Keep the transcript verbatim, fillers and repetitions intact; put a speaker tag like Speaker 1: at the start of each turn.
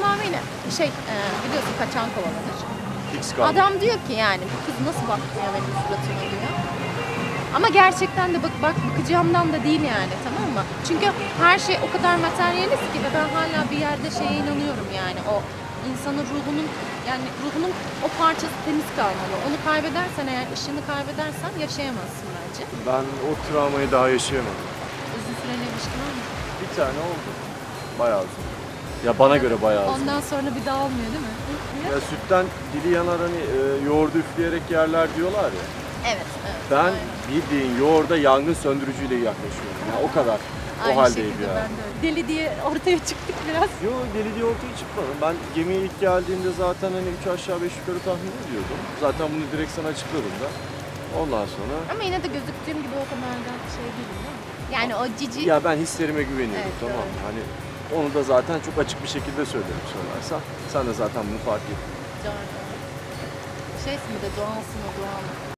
Speaker 1: tamamıyla şey e, biliyorsun kaçan kovalanır.
Speaker 2: Fix kaldı.
Speaker 1: Adam diyor ki yani bu kız nasıl bakmıyor benim suratıma diyor. Ama gerçekten de bak, bak bakacağımdan da değil yani, tamam mı? Çünkü her şey o kadar materyalist ki ve ben hala bir yerde şeye inanıyorum yani o insanın ruhunun yani ruhunun o parçası temiz kalmalı. Onu kaybedersen eğer ışığını kaybedersen yaşayamazsın bence.
Speaker 2: Ben o travmayı daha yaşayamadım.
Speaker 1: Uzun süreli ilişkin var mı?
Speaker 2: Bir tane oldu. Bayağı uzun. Ya bana göre bayağı uzun.
Speaker 1: Ondan sonra bir daha olmuyor değil mi?
Speaker 2: Ya sütten dili yanar hani e, yoğurdu üfleyerek yerler diyorlar ya.
Speaker 1: Evet, evet.
Speaker 2: Ben
Speaker 1: aynen.
Speaker 2: bildiğin yoğurda yangın söndürücüyle yaklaşıyorum. Yani o kadar.
Speaker 1: Aynı
Speaker 2: o haldeyim
Speaker 1: şekilde
Speaker 2: ya.
Speaker 1: ben de öyle. Deli diye ortaya çıktık biraz.
Speaker 2: Yo deli diye ortaya çıkmadım. Ben gemiye ilk geldiğimde zaten hani üç aşağı beş yukarı tahmin ediyordum. Zaten bunu direkt sana açıkladım da. Ondan sonra...
Speaker 1: Ama yine de gözüktüğüm gibi o kadar da şey değil değil mi? Yani o cici...
Speaker 2: Ya ben hislerime güveniyorum,
Speaker 1: Evet,
Speaker 2: tamam mı?
Speaker 1: doğru.
Speaker 2: Hani onu da zaten çok açık bir şekilde söylerim sorarsan. Sen de zaten bunu fark ettin.
Speaker 1: Doğru. Şeysin bir de doğalsın o doğal.